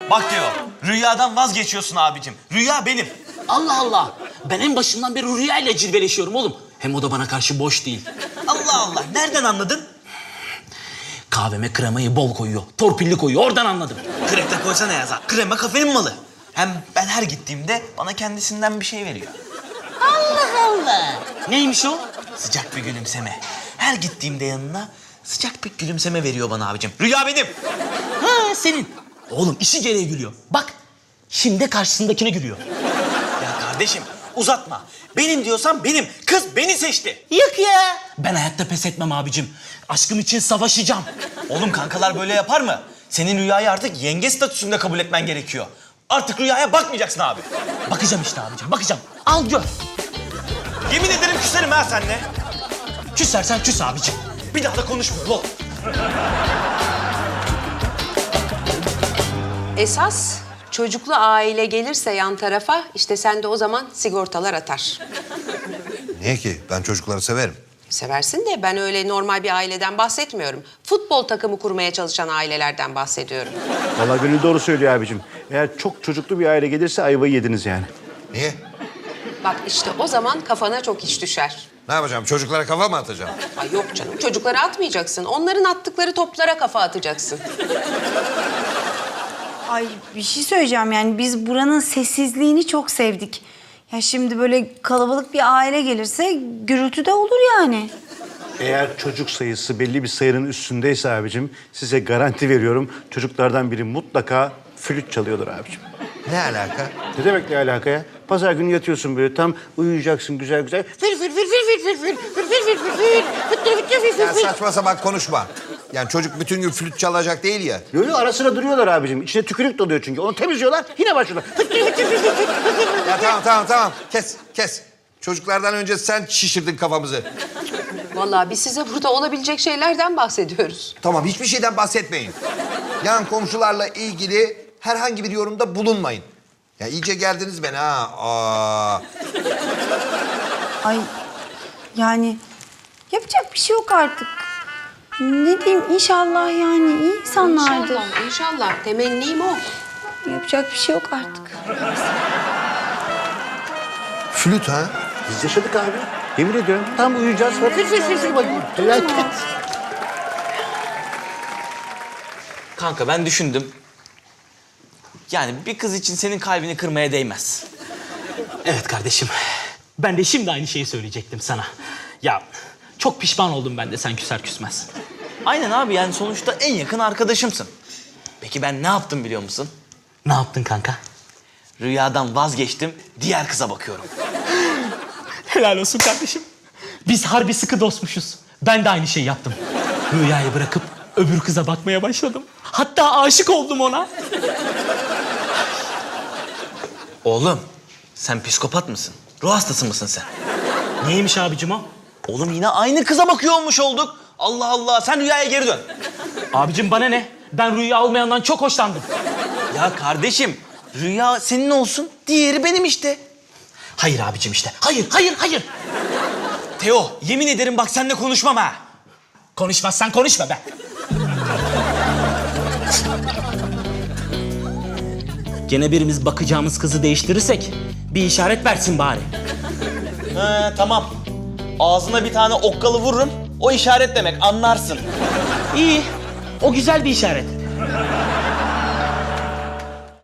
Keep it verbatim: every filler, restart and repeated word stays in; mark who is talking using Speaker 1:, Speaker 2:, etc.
Speaker 1: Bak diyor, rüyadan vazgeçiyorsun abicim. Rüya benim.
Speaker 2: Allah Allah. Ben en başından beri Rüya ile cilveleşiyorum oğlum. Hem o da bana karşı boş değil.
Speaker 1: Allah Allah, nereden anladın?
Speaker 2: Kahveme kremayı bol koyuyor. Torpilli koyuyor. Oradan anladım.
Speaker 1: Krepte koysana yaza. Krema kafenin malı. Hem ben her gittiğimde bana kendisinden bir şey veriyor.
Speaker 2: Allah Allah. Neymiş o?
Speaker 1: Sıcak bir gülümseme. Her gittiğimde yanına sıcak bir gülümseme veriyor bana abicim. Rüya benim.
Speaker 2: Ha senin. Oğlum işi gereği gülüyor. Bak şimdi karşısındakine gülüyor.
Speaker 1: Ya kardeşim uzatma. Benim diyorsan benim. Kız beni seçti.
Speaker 2: Yok ya. Ben hayatta pes etmem abicim. Aşkım için savaşacağım.
Speaker 1: Oğlum kankalar böyle yapar mı? Senin Rüya'yı artık yenge statüsünde kabul etmen gerekiyor. Artık Rüya'ya bakmayacaksın abi.
Speaker 2: Bakacağım işte abicim bakacağım. Al gör.
Speaker 1: Yemin ederim küserim ha seninle.
Speaker 2: Küsersen küs abicim.
Speaker 1: Bir daha da konuşmuyorum oğlum.
Speaker 3: Esas çocuklu aile gelirse yan tarafa işte sen de o zaman sigortalar atar.
Speaker 4: Niye ki? Ben çocukları severim.
Speaker 3: Seversin de ben öyle normal bir aileden bahsetmiyorum. Futbol takımı kurmaya çalışan ailelerden bahsediyorum.
Speaker 5: Vallahi Gönül doğru söylüyor abicim. Eğer çok çocuklu bir aile gelirse ayvayı yediniz yani.
Speaker 4: Niye?
Speaker 3: Bak işte o zaman kafana çok iş düşer.
Speaker 4: Ne yapacağım? Çocuklara kafa mı atacağım?
Speaker 3: Ay yok canım çocuklara atmayacaksın. Onların attıkları toplara kafa atacaksın.
Speaker 6: Ay bir şey söyleyeceğim yani biz buranın sessizliğini çok sevdik. Ya şimdi böyle kalabalık bir aile gelirse gürültü de olur yani.
Speaker 5: Eğer çocuk sayısı belli bir sayının üstündeyse abicim size garanti veriyorum çocuklardan biri mutlaka flüt çalıyordur abicim.
Speaker 4: Ne alaka?
Speaker 5: Ne demek ne alaka ya? Pazar günü yatıyorsun böyle tam uyuyacaksın güzel güzel. Fil fil fil fil fil fil fil fil fil fil fil fil fil
Speaker 4: Ya saçma sapan konuşma. Yani çocuk bütün gün flüt çalacak değil ya.
Speaker 5: Yo yo ara sıra duruyorlar abicim. İçine tükürük doluyor çünkü. Onu temizliyorlar yine başlıyorlar.
Speaker 4: Ya tamam tamam tamam. Kes kes. Çocuklardan önce sen şişirdin kafamızı.
Speaker 3: Vallahi biz size burada olabilecek şeylerden bahsediyoruz.
Speaker 4: Tamam hiçbir şeyden bahsetmeyin. Yan komşularla ilgili herhangi bir yorumda bulunmayın. Ya iyice geldiniz beni ha. Aa.
Speaker 6: Ay yani yapacak bir şey yok artık. Ne diyeyim inşallah yani iyi insanlardır.
Speaker 3: İnşallah, inşallah. Temennim o.
Speaker 6: Yapacak bir şey yok artık.
Speaker 4: Flüt ha?
Speaker 5: Biz yaşadık abi. Yemin ediyorum tam uyuyacağız. Fil fil fil fil bakayım. Felaket.
Speaker 1: Kanka ben düşündüm. Yani bir kız için senin kalbini kırmaya değmez.
Speaker 2: Evet kardeşim. Ben de şimdi aynı şeyi söyleyecektim sana. Ya çok pişman oldum ben de sen küser küsmez.
Speaker 1: Aynen abi yani sonuçta en yakın arkadaşımsın. Peki ben ne yaptım biliyor musun?
Speaker 2: Ne yaptın kanka?
Speaker 1: Rüyadan vazgeçtim, diğer kıza bakıyorum.
Speaker 2: Helal olsun kardeşim. Biz harbi sıkı dostmuşuz. Ben de aynı şeyi yaptım. Rüyayı bırakıp öbür kıza bakmaya başladım. Hatta aşık oldum ona.
Speaker 1: Oğlum, sen psikopat mısın? Ruh hastası mısın sen?
Speaker 2: Neymiş abicim o?
Speaker 1: Oğlum yine aynı kıza bakıyor olmuş olduk. Allah Allah, sen Rüya'ya geri dön.
Speaker 2: Abicim bana ne? Ben Rüya olmayandan çok hoşlandım.
Speaker 1: Ya kardeşim, Rüya senin olsun, diğeri benim işte.
Speaker 2: Hayır abicim işte. Hayır, hayır, hayır.
Speaker 1: Teo, yemin ederim bak seninle konuşmam ha.
Speaker 2: Konuşmazsan konuşma be. Gene birimiz bakacağımız kızı değiştirirsek bir işaret versin bari.
Speaker 1: He, tamam. Ağzına bir tane okkalı vururum, o işaret demek, anlarsın.
Speaker 2: İyi. O güzel bir işaret.